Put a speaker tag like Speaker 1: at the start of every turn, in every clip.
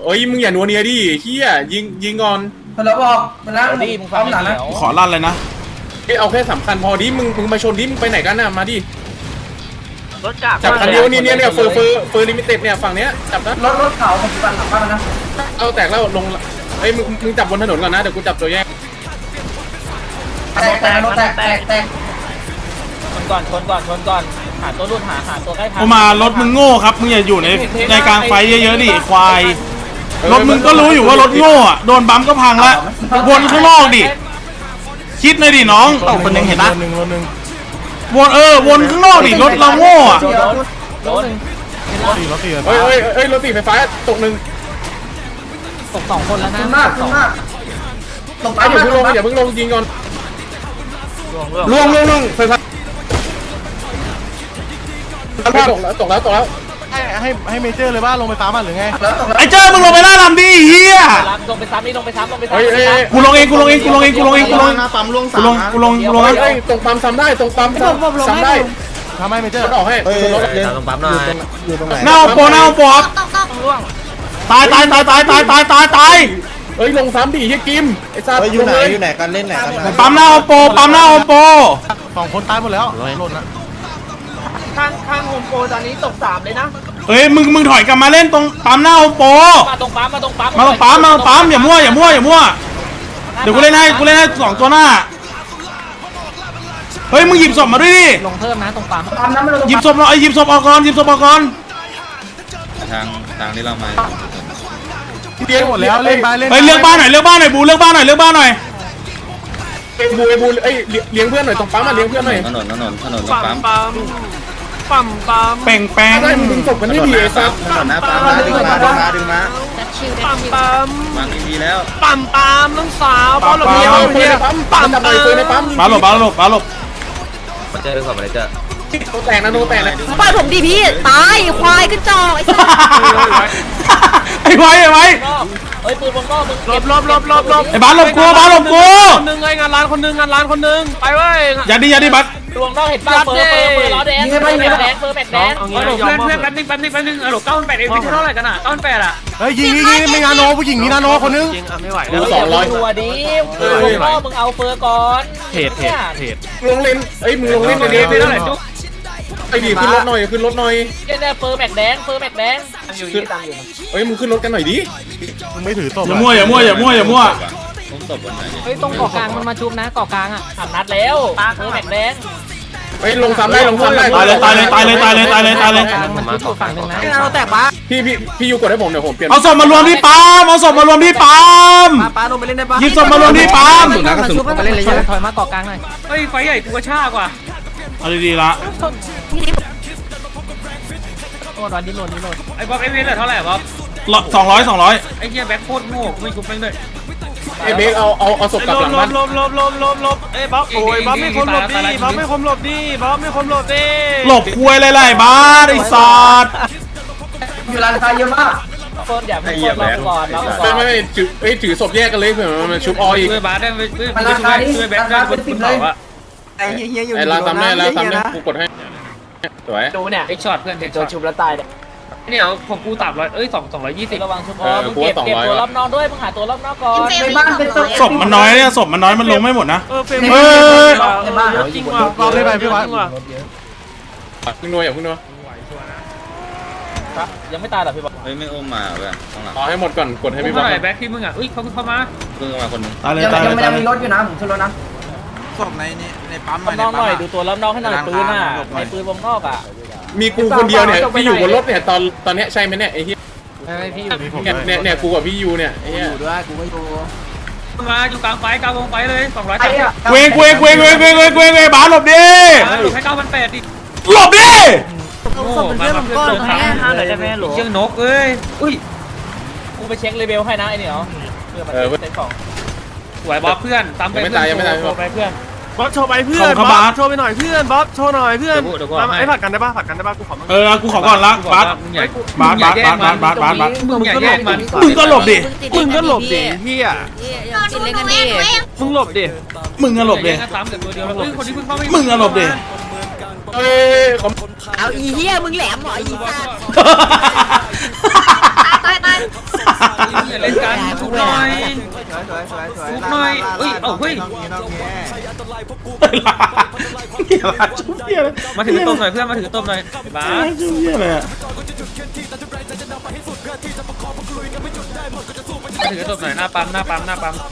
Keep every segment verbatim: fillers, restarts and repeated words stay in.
Speaker 1: เอ้ยมึงอย่านัวเนียดิเฮียยิงยิงก่อน
Speaker 2: แล้วบอกมาแล้วดิมึงฟังหลังนะ
Speaker 3: ขอลั่นเลยนะ
Speaker 1: เอาแค่สำคัญพอดิมึงมึงมาชนดิมึงไปไหนกันน่ะมาดิ
Speaker 4: รถจักร
Speaker 1: จับคันเดียวนี่เนี่ยเนี่ยเฟอร์เฟอร์เฟอร์ลิมิเต็ดเนี่ยฝั่งเนี้ยจับนะ
Speaker 2: รถรถเขาปัจจุบันหลังบ้านนะ
Speaker 1: เอาแตกแล้วลงเอ้ยมึงมึงจับบนถนนก่อนนะเดี๋ยวกูจับตัวแยก
Speaker 2: แตกแตกรถแตกแตกแตก
Speaker 4: ชนก่อนชนก่อนชนก่อนหาตัวรุ่นหาหาตัวใกล้พัง
Speaker 3: กูมารถมึงโง่ครับมึงอย่าอยู่ในในกลางไฟเยอะๆดิควายรถมึงก็รู้อยู่ว่ารถโง่อะโดนบัมก็พังละวนข้างนอกดิคิดเลยดิน้องคนนึงเห็นปะวนเออวนข้างนอกดิรถเราโง่อะ
Speaker 4: รถ
Speaker 1: เฮ้ยเฮ้ยเฮ้ยรถตีไฟฟ้าตกหนึ่ง
Speaker 4: ตกสองคนแล้วนะ
Speaker 2: ขึ้นมากขึ้นมาก
Speaker 1: ตกไปอย่าเพิ่งลงอย่าเพิ่งลงยิงก่อนล่วงล่วงล่วงไฟฟ้าตกแล้วตกแล้วตกแล้ว
Speaker 5: ให้ให้ให้เมเจอร์เลยว่าลงไปฟ้ามันหรือไง
Speaker 3: ไอ้เจ้ามึงลงไปล่าลำดิเฮีย
Speaker 4: ลงไปซ้ำนี่ลงไปซ้ำลงไปซ้ำ
Speaker 3: กูลงเองกูลงเองกูลงเองกูลงเองกูลง
Speaker 5: ปั๊มลง
Speaker 3: กูลงกูลงกูลง
Speaker 1: ตรงปั๊มซ้ำได้ตรงปั๊มซ้ำได้
Speaker 5: ทำให้เมเจอร์
Speaker 1: ออกให้
Speaker 4: ตรงปั๊มหน่อย
Speaker 5: อยู่ตรงไหน
Speaker 3: หน้าโปหน้าโปตายตายตายตายตายตายตายตาย
Speaker 1: เอ้ยลงซ้ำดิเฮียกิมไอ้ซา
Speaker 5: อยู่ไหนอยู่ไหนกันเล่นไหนกัน
Speaker 3: ปั๊มหน้าโปปั๊มหน้าโป
Speaker 5: สองคนตายหมดแล้วหล่นนะ
Speaker 4: ข้างข้างโฮมโปรตอนนี้ตกสามเลยนะ
Speaker 3: เฮ้ยมึงมึงถอยกลับมาเล่นตรงปั๊มหน้าโป
Speaker 4: มาตรงปั๊มมาตรงปั๊ม
Speaker 3: มาตรงปั๊มมาตรงปั๊มอย่ามั่วอย่ามั่วอย่ามั่วเดี๋ยวกูเล่นให้กูเล่นให้สองตัวหน้าเฮ้ยมึงหยิบศพมาด้วยดิ
Speaker 4: ลงเพิ่มนะตรงปั๊ม
Speaker 3: หยิบศพเราไอ้หยิบศพออกก่อนหยิบศพออกก่อน
Speaker 6: ทางทางที่เรามา
Speaker 5: เลี้ยงหมดแล้วเล่นบ้านเล่น
Speaker 3: เฮ้ยเลือกบ้านหน่อยเลือกบ้านหน่อยบูเลือกบ้านหน่อยเลือกบ้านหน่อย
Speaker 1: ไอ้บูไอ้บูไอ้เลี้ยงเพื่อนหน่อยตรงปั๊มมาเลี้ยงเพื่อนหน่อย
Speaker 6: ถนนถนนถนนปั๊ม
Speaker 4: ปั๊มปั๊ม
Speaker 3: แป่งแป่ง
Speaker 1: ได้มึงศพมันไม่ดีไอ้ซับ
Speaker 6: ถนนนะปั๊มมาดึงมาดึงมาดึงมา
Speaker 4: ปั๊มปั๊ม
Speaker 6: วางดีแล้ว
Speaker 4: ปั๊มปั๊มน้องสาวบอลหลบเดียว
Speaker 1: เพื่อนปั๊มปั๊มจับเลยเพื่อนในปั๊ม
Speaker 3: บาหลบบาหลบบาหลบ
Speaker 6: มาเจอขอบอะไรเจอ
Speaker 1: โนแตกนะโนแตกเลย
Speaker 7: ปล่อยผมดิพี่ตายควายขึ้นจอไอ้สัส
Speaker 3: ไอ้ไว้ไอ้ไว้
Speaker 4: เฮ้ยปืนบนก็มึง
Speaker 5: ลบลบลบลบลบ
Speaker 3: ไอ้บ้านหลบกูบ้านหลบกู
Speaker 4: คนนึงไงงานร้านคนนึงงานร้านคนนึงไปเว้ย
Speaker 3: อย่าดิอย่าดิบัส
Speaker 4: ดวงนอกเห็นป้าเปิดเปิดเปิดล้อแดงเปิดแบกแดงเปิดแบกแดงเพื่อนเพื่อนแป๊บนึงแป๊บนึงแป๊บนึงเออหลบเก้าพันแปดเองไม่เท่าไหร่กันอ่ะเก้าพันแปดอ่ะ
Speaker 5: เฮ้ยยิงยิงยิงไม่นาโนผู้หญิงมีนาโนคนนึง
Speaker 4: จริงอ่ะไม่ไหวแล้วสองร้อยตัวดิมึงก็มึงเอาเฟอร์ก่อน
Speaker 5: เทรดเทรดเทรด
Speaker 1: ลงเล่นเอ้ยมึงลงเล่นในนี้ไปเท่าไหร่จุ๊บไอ้ดิขึ้นรถหน่อยขึ้นรถหน่อย
Speaker 4: เนี่ยเฟอร์แบกแดงเฟอร์แบกแดงอยู่ที่ตังอยู่
Speaker 1: เฮ้ยมึงขึ้นรถกันหน่อยดิ
Speaker 5: มึงไม่ถือศพ
Speaker 3: อย่ามั่วอย่ามั่วอย่ามั่วอย่ามั่ว
Speaker 6: ผมศพวันไหน
Speaker 4: เฮ้ยตรงเกาะกลางมันมาชุบนะเกาะกลางอ่ะสามนัดแล้วเฟอร์แบกแดง
Speaker 1: เฮ้ยลงซ้ำได้ลงซ้ำได้
Speaker 3: ตายเลยตายเลยตายเลยตายเลยตายเลยตายเลย
Speaker 4: มันชุบฝั่งนึงนะ
Speaker 7: เราแตกปะ
Speaker 1: พี่พี่พี่ยูกดให้ผมเดี๋ยวผมเปลี่ยน
Speaker 3: เอาศพมารวมที่ปั๊มเอาศพมารวมที่ปั๊ม
Speaker 7: ปาลงไปเล่นได้ปะ
Speaker 3: หยิบศพมารวมที่ปั๊ม
Speaker 4: มาเล่นเลยถอยมาเกาะกลางหน่อยเฮ้ยไฟใหญ่กูกระชากว่ะ
Speaker 3: เอาดีๆละ
Speaker 4: โอ้ดอนดิ้นโหลดดิ้นโหลดไอ้บ๊อบไอ้เวสเท่าไหร่บ๊อบ
Speaker 3: สองร้อยสองร้อย
Speaker 4: ไอ้เหี้ยแบ็คโคตรโง่ไม่ชุบแม่งด้วย
Speaker 1: ไอ้เบคเอาเอาเอาศพกลับหลังบ้าน
Speaker 4: ลบลบลบลบลบเอ้บ๊อบโอ้ยบ๊อบไม่คมหลบดิบ๊อบไม่คมหลบดิบ๊อบไม่คมหลบดิ
Speaker 3: หลบคุยอะไรๆบ้าไอ้สัตว์
Speaker 2: อยู่ร้านค้าเยอะมาก
Speaker 4: คนอย่าไปกดเราก่อนเราก่อน
Speaker 1: ไม่ไม่ถือเอ้ยถือศพแยกกันเลยเผื่อมันชุบออีก
Speaker 4: ช่วยบาสได้ช่วยช่วยแบ็คได้บนเขาอะ
Speaker 7: ไอ้เฮียอยู่
Speaker 1: ไอ้ลาทำได้แล้วทำได้กูกดให้สวย
Speaker 4: ดูเนี่ยเอ็กช็อตเพื่อนเอ็กช็อตชุบแล้วตายเนี่ยเนี่ยของกูตับร้อยเอ้ยสองสองร้อยยี่สิบระวังชุบอ๋อมึงเก็บเก็บตัวรอบนอกด้วยมึงหาตัวรอบนอกก่อน
Speaker 2: ในบ้านเป็น
Speaker 3: ศพมันน้อยเนี่ยศพมันน้อยมันลงไม่หมดนะ
Speaker 4: เออเฟรม
Speaker 2: ในบ้าน
Speaker 4: จริงว่ะ
Speaker 5: รอบได้ไปพี่วัด
Speaker 1: พึ่งนัวอย่าพึ่งนัว
Speaker 4: ยังไม่ตายหรอพี่บอล
Speaker 6: เฮ้ยไม่โอมมาเว้ยต้องหลัง
Speaker 1: รอให้หมดก่อนกดให้พี่บอล
Speaker 4: แบ็คที่มึงอ่ะอุ้ยเขาเข้ามา
Speaker 6: เพิ่งมาคนนึง
Speaker 3: ตายเลยตายเลย
Speaker 2: ยังมีรถอยู่นะผมขึ้นรถนะ
Speaker 5: ศพในนี่ในปั๊ม
Speaker 4: หน่อยหน่อยดูตัวรอบนอกให้หน่อยปืนอ่ะในปืนวงนอกอ่ะ
Speaker 1: มีกูคนเดียวเนี่ยที่อยู่บนรถเนี่ยตอนตอนนี้ใช่ไหมเนี่ยไอ้เหี้ย
Speaker 4: พี่
Speaker 1: อยู่เนี่ยเนี่ยกูกับพี่ยูเนี่ยไอ้เหี้ย
Speaker 7: อยู่ด้วยกูไม่อยู่
Speaker 4: มาอยู่กลางไฟกลางวงไฟเลยสองร้อย
Speaker 3: เวงเวงเวงเวงเวงเวงเวงเวงบ้าหลบดิ
Speaker 4: หลบให้เก้าพันแปดดิ
Speaker 3: หลบดิ
Speaker 7: โอ้เพื่อนผมก้อนแค่ห้าเลยได้ไหมหรอ
Speaker 4: เชือกนกเอ้ยอุ้ยกูไปเช็คเลเวลให้นะไอ้นี่เหรอเพื่อมาเซ็ตของสวยบ๊อบเพื่อนตามไปเพื่อนยังไม่ตายไปเพื่อนบ๊อบโชว์ไปเพื่อนบ๊อบโชว์ไปหน่อยเพื่อนบ๊อบโชว์หน่อยเพื่อนไอ้ผัดกันได้ป่ะผัดกันได้ป่ะกูขอ
Speaker 3: เออกูขอก่อนละบัสบัสบัสบัสบัสบัสบัส
Speaker 4: มึงอย่าแย่งมัน
Speaker 3: มึงก็หลบดิ
Speaker 4: มึงก็หลบดิพี่อ่ะ
Speaker 7: กินเล่นกันดิ
Speaker 4: มึงหลบดิ
Speaker 3: มึงก็หลบดิมึงก็หลบดิ
Speaker 1: เอ้ย
Speaker 7: เอาอีเหี้ยมึงแหลมเหรออีสัตว์ตายตาย
Speaker 4: อย่าเล่นกันทุบหน่อยทุบหน่อยเอ้ยเอ้าเฮ้ยมาถือต้มหน่อยเพื่อนมาถือต้มหน่อยบ้า
Speaker 3: ชื่อเหี้ยอะไรอะ
Speaker 4: มาถือต้มหน่อยหน้าปั๊มหน้าปั๊มหน้าปั๊ม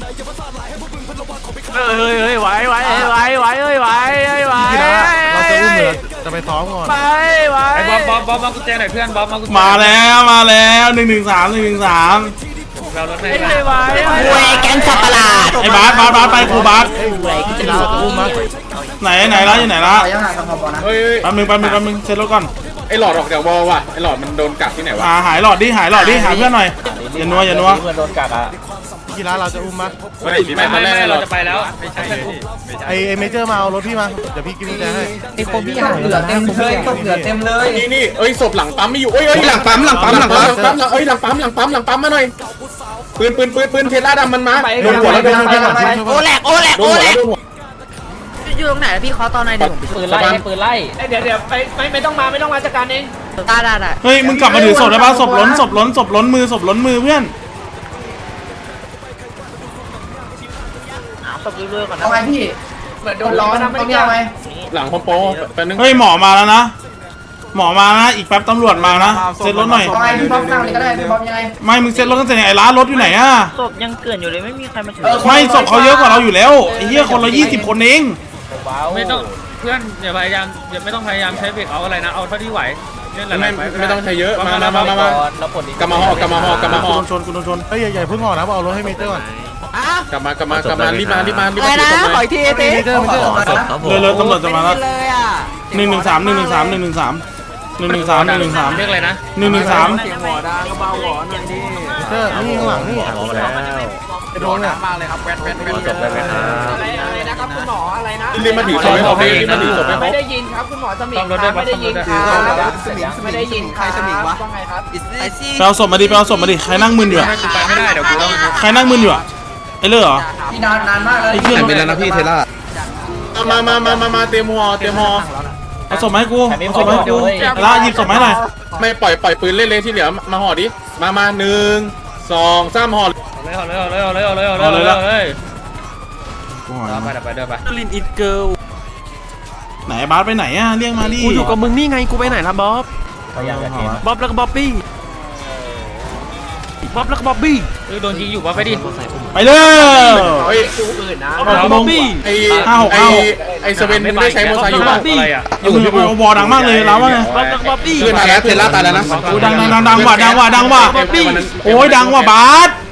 Speaker 5: เฮ้ยเฮ้ยไหวไหวไหวไหวเฮ้ยไหวเฮ้ยไหวเราจะอุ้มเหรอจะไปซ้อมก่อนไปไหว
Speaker 4: ไอ้บ๊อบบ๊อบบ๊อบมากุญแจหน่อยเพื่อนบ๊อบมากุญแจ
Speaker 3: มาแล้วมาแล้วหนึ่งหนึ่งสามหนึ่งหนึ่งสาม
Speaker 4: เรารถให้
Speaker 5: ไหวไหว
Speaker 7: เว้ยแก๊งสับประหลาด
Speaker 3: ไอ้บาสบาสบาสไปครูบาส
Speaker 7: เว้ยกูจะ
Speaker 5: เรา
Speaker 7: รู้
Speaker 5: จะอุ้มมั้ย
Speaker 3: ไหนไหนละอยู่ไหนละ
Speaker 2: ขอยังห่างกับพอนะ
Speaker 1: เฮ้ย
Speaker 3: แป๊บนึงแป๊บนึงแป๊บนึงเซ็ตรถก่อน
Speaker 1: ไอ้หลอดออกจากวอลว่ะไอ้หลอดมันโดนกัดที่ไหนวะ
Speaker 3: หาหายหลอดดิหายหลอดดิหาเพื่อนหน่อยอย่านัวอย่านัว
Speaker 4: เพื่อนโดนกัดอ่ะ
Speaker 5: กีฬาเราจะอุ้มมั้ย
Speaker 1: ไม่
Speaker 4: ไม่ไม่
Speaker 1: ไม่
Speaker 4: ไม่
Speaker 1: ไม่
Speaker 4: เรา
Speaker 1: เรา
Speaker 4: จะ
Speaker 1: จะ
Speaker 4: ไป
Speaker 1: ไป
Speaker 4: แล้ว
Speaker 5: ไอไอเมเจอร์มาเอารถพี่มาเดี๋ยวพี่กินกุญแจให้
Speaker 2: ไอ้คนพี่ห่างเหลือเต็มเลยตกเหลือเต็มเลย
Speaker 1: นี่นี่เอ้ยศพหลังปั๊มไม่อยู่เอ้ยเอ้ยหลังปั๊มหลังปั๊มหลังปั๊มหลังปั๊มเอ้ยหลังปั๊มหลังปั๊มหลังปั๊มมาหน่อยปืนปืนปืนปืนเทสลาดำมันมาโดนหัวแล้วโดนหัว
Speaker 7: โอแหลกโอแหลก
Speaker 1: โด
Speaker 7: โอน
Speaker 1: หัว
Speaker 7: แหล
Speaker 1: แล้ว
Speaker 7: ก
Speaker 1: โดนหัว
Speaker 7: อยู่ตรงไหนพี่ขอตอนไหนเดี๋ยวผมไป
Speaker 4: ปืนไล่ให้ปืนไล่เดี๋ยวเดี๋ยวไปไม่ไม่ต้องมาไม่ต้องมาจัดการเอง
Speaker 7: ได้ได้ได้
Speaker 3: เฮ้ยมึงกลับมาถือศพได้ป่ะศพล้นศพล้นศพล้นมือศพล้นมือเพื่อน
Speaker 7: ตบเรื่อยๆก่อนนะ
Speaker 2: เอาไงพี่เหมือนโดนร้อนต้องยังไง
Speaker 1: หลังพอโปแป๊บนึง
Speaker 3: เฮ้ยหมอมาแล้วนะหมอมานะอีกแป๊บตำรวจมานะเซ็ตรถหน่อย
Speaker 2: เอาไงพี่บ๊อบข้างนี้ก็ได้พี่บ๊อบยังไง
Speaker 3: ไม่มึงเซ็ตรถกันเสร็จยังไงร้านรถอยู่ไหนอะ
Speaker 7: ศพยังเกลื่อนอยู่เลยไม่มีใครมาถือ
Speaker 3: ไม่ศพเขาเยอะกว่าเราอยู่แล้วไอ้เหี้ยคนละยี่สิบคนเอง
Speaker 4: ไม่ต้องเพื่อนอย่าพยายามอย่าไม่ต้องพยายามใช้เบรกเอาอะไรนะเอาเท่าที่ไหวเล่นห
Speaker 1: ไม่
Speaker 4: ลายๆ
Speaker 1: ไม่ต้องใช้เยอะมามามามามากลับมาหอกลับมาหอกลับมาห
Speaker 3: กู
Speaker 1: อ
Speaker 3: โดนชนกูโดนชน
Speaker 5: เฮ้ยอย่าเพิ่งห่อนะเอารถให้เมเจอร์ก่อน
Speaker 1: กลับมากลับมากลับมารีบมารีบมารีบ
Speaker 7: อะไร
Speaker 1: มา
Speaker 7: นะ
Speaker 1: ถือศพ
Speaker 7: ขอ
Speaker 1: เลย
Speaker 7: อีกทีเต้
Speaker 5: เมเจอร์เมเจอร์
Speaker 3: เลยเลยตำรวจจะมาแล้ว
Speaker 7: เลยอ่ะ
Speaker 3: หนึ่งหนึ่งสามหนึ่งหนึ่งสามหนึ่งหนึ่งสามหนึ่งหนึ่งสามหนึ่งหนึ่งสาม
Speaker 4: เรียกอะไรนะ
Speaker 3: หนึ่งหนึ่งสาม
Speaker 5: เมเจอร์นี่ข้างหลังนี่ไอโดนเนี่ย
Speaker 4: อะไรนะครับคุณหมออะไรนะ
Speaker 1: รีบมาถือศพให้เขารีบมาถือศพให้เขา
Speaker 4: ไม่ได้ยินครับคุณหมอสมิงครับไม่ได้ยินครับไม่ได้ยินใครสมิงวะว่าไงครับ
Speaker 3: ไปเอาศพมาดิไปเอาศพมาดิใครนั่งมึนอยู่อะ
Speaker 4: ไปไม่ได้เดี๋ยวกูต้อง
Speaker 3: ใครนั่งมึนอยู่อะไอ้เลือเหรอ
Speaker 2: พี่นานนานมากเลย
Speaker 3: ไอ้เหี้ย
Speaker 6: เป็นแล้วนะพี่เทล่า
Speaker 1: มามามามามาเตรียมหอเตรียมหอ
Speaker 3: เอาศพมาให้กูเอาศพมาให้กูละหยิบศพมาให้หน่อย
Speaker 1: ไม่ปล่อยปล่อยปืนเล่นเลยที่เหลือมาห่อดิมามาหนึ่งสองสามห่อ
Speaker 4: เลยเอาเลยเอาเลยเอาเลยเอาเลยเอาเลยเอาเลย
Speaker 3: กูหา
Speaker 4: เอาไปเดี๋ยวไปเดี๋ยวไป
Speaker 5: ลินอิทเกิล
Speaker 3: ไหนบาสไปไหนอะเรียกมาดิ
Speaker 5: กูอยู่กับมึงนี่ไงกูไปไหนล่ะบ๊อบบ๊อบแล้วก็บ๊อบบี้บ๊อบแล้วก็บ๊อบบี้
Speaker 4: เออโดนยิงอยู่วะไปดิ
Speaker 3: ไปเลย
Speaker 1: เฮ้ย
Speaker 5: บ๊อบบี้
Speaker 1: ไอไอไอสเวนมึงได้ใช้โมไซอยู่ป่ะ
Speaker 4: อะไรอ่ะ
Speaker 3: อยู่อยู่วอดังมากเลยแล้วว่าไง
Speaker 5: บ๊อบแล้วก็บ๊อบบี้
Speaker 1: เพื่อนตายแล้วเทล่าตายแล้วนะ
Speaker 3: กูดังดังดังดังว่ะดังว่ะดังว่ะโอ้ยดังว่ะบาส